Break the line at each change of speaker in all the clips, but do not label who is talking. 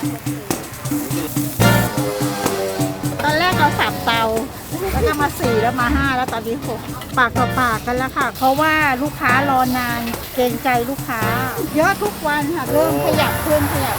ตอนแรกเรา3 เตาแล้วก็มา4แล้วมา5แล้วตอนนี้6ปากต่อปากกันแล้วค่ะเพราะว่าลูกค้ารอนานเกรงใจลูกค้าเยอะทุกวันค่ะเริ่มขยับขึ้นเดี๋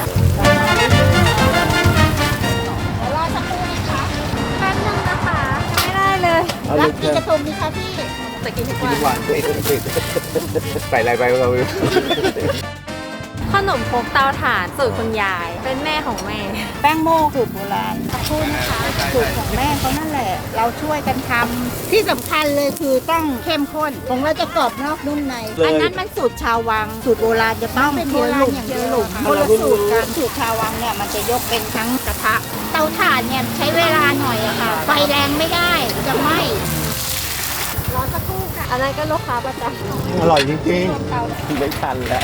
ยวรอสักครู่นะคะแป๊บนึงนะคะไม่ได้เลยรับกี่กระทงดีคะพี่จะกินทุกวัน
ใส่อะไรไปเรา
ขนมครกเตาถ่านสูตรคุณยายเป็นแม่ของแม่
แป้งโม่สูตรโบราณขอบคุณนะคะสูตรของแม่เขานั่นแหละเราช่วยกันทำที่สำคัญเลยคือต้องเข้มข้นของเราจะกรอบนอกนุ่มในอันนั้นมันสูตรชาววังสูตรโบราณจะต้องเป็นโบราณอย่างเดียวคนละสูตรกันสูตรชาววังเนี่ยมันจะยกเป็นทั้งกระทะเตาถ่านเนี่ยใช้เวลาหน่อยอะค่ะไฟแรงไม่ได้จะไหม้รอสักครู่ค่ะ
อันนั้นก็ลูกค้าประจำ
อร่อยจริงๆไม่ทันแล้ว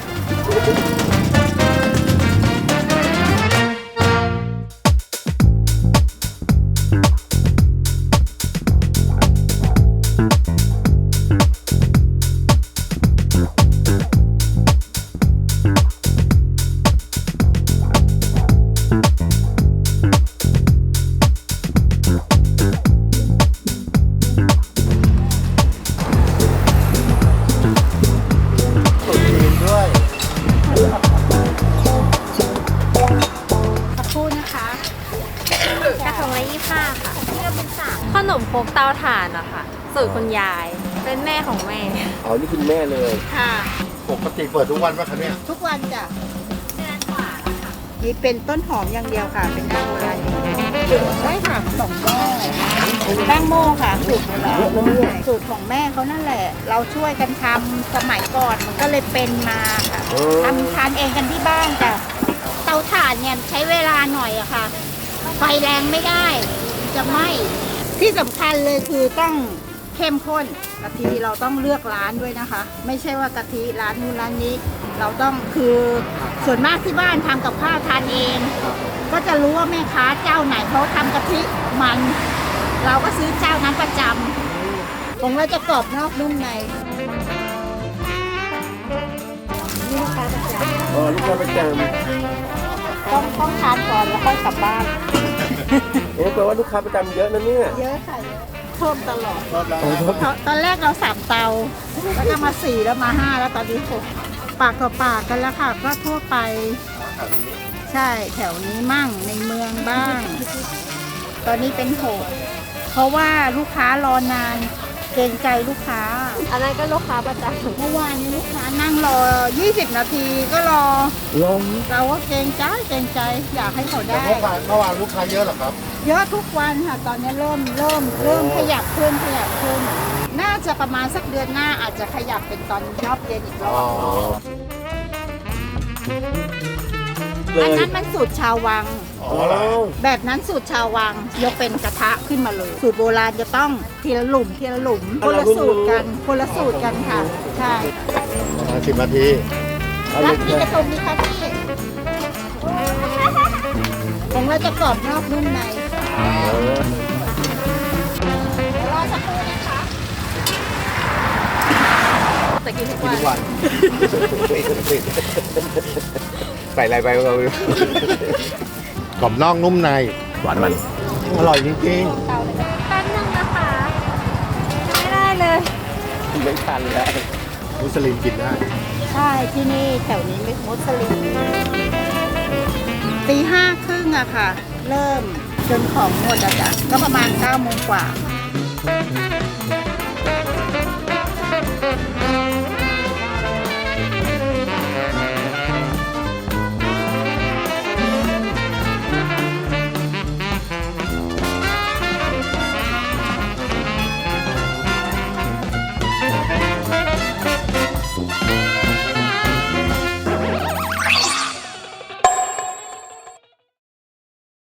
สักครู่นะคะ
กระทงละ25 ค่ะขนมครกเตาถ่านอะค่ะสูตรคุณยายเป็นแม่ของแม่
อ๋อนี่คุณแม่เลย
ค่ะ
ปกติเปิดทุกวันป่ะคะเนี่ย
ทุกวันจ้ะนี่เป็นต้นหอมอย่างเดียวค่ะ เป็นน้ำโบราณอย่างเดียวใช่ค่ะ2 แม่แป้งโม่ค่ะสูตรโบราณสูตรของแม่เขานั่นแหละ เราช่วยกันทำสมัยก่อนมันก็เลยเป็นมาค่ะทำทานเองกันที่บ้านจ้ะเตาถ่านเนี่ยใช้เวลาหน่อยอะค่ะไฟแรงไม่ได้จะไหม้ที่สำคัญเลยคือต้องเข้มข้นกะทิเราต้องเลือกร้านด้วยนะคะ ไม่ใช่ว่ากะทิร้านนู้นร้านนี้ เราต้องคือส่วนมากที่บ้านทำกับข้าวทานเอง ก็จะรู้ว่าแม่ค้าเจ้าไหนเขาทำกะทิมัน เราก็ซื้อเจ้านั้นประจำของเราจะกรอบนอกนุ่มในนี่ลูกค้าประจ
อ๋อลูกค้าประจำ
ำต้องทานก่อนแล้วค่อยกลับบ้าน
แปลว่าลูกค้าประจำเยอะนะเนี่ย
เยอะค่ะเยอะเพิ่มตลอด
รอบแล้ว
ตอนแรกเรา3 เตาแล้วก็มา4แล้วมา5แล้วตอนนี้6ปากต่อปากกันแล้วค่ะก็ทั่วไป ใช่แถวนี้มั่งในเมืองบ้าง ตอนนี้เป็น6เพราะว่าลูกค้ารอนานเกรงใจลูกค้า
อันนั้นก็ลูกค้าประจำ
เมื่อวานนี้ลูกค้านั่งรอ20 นาทีก็รอ
ลง
เราก็เกรงใจอยากให้เขา
แต่
ได้
เมื่อวานลูกค้าเยอะเหรอครับ
เยอะทุกวันค่ะตอนนี้เริ่มขยับขึ้นน่าจะประมาณสักเดือนหน้าอาจจะขยับเป็นตอนรอบเย็นอีกรอบ
เล
อัน
ย
นั้นมันสูตรชาววัง
อ๋อเหรอ
แบบนั้นสูตรชาววังยกเป็นกระทะขึ้นมาเลย สูตรโบราณจะต้องทีละหลุมคนละสูตรกันค่ะ ใช่
10 นาที
รับกี่กระทงดีคะพี่ของเราจะกรอบนอกนุ่มในรอสักครู่นะคะ
จะกินทุก
กิน
วัน
ทุกวัน ใส่อะไรไปเรา
กรอบนอกนุ่มใน
หวานมัน
อร่อยจริง
แป๊บนึงนะคะไม่ได้เลย
ไม่ทันแล้ว
ๆมุสลิมกินได้
ใช่ที่นี่แถวนี้ไม่มุสลิมตี 5:30อะค่ะ เริ่มจนของหมดอะจ้ะก็ประมาณ9 โมงกว่า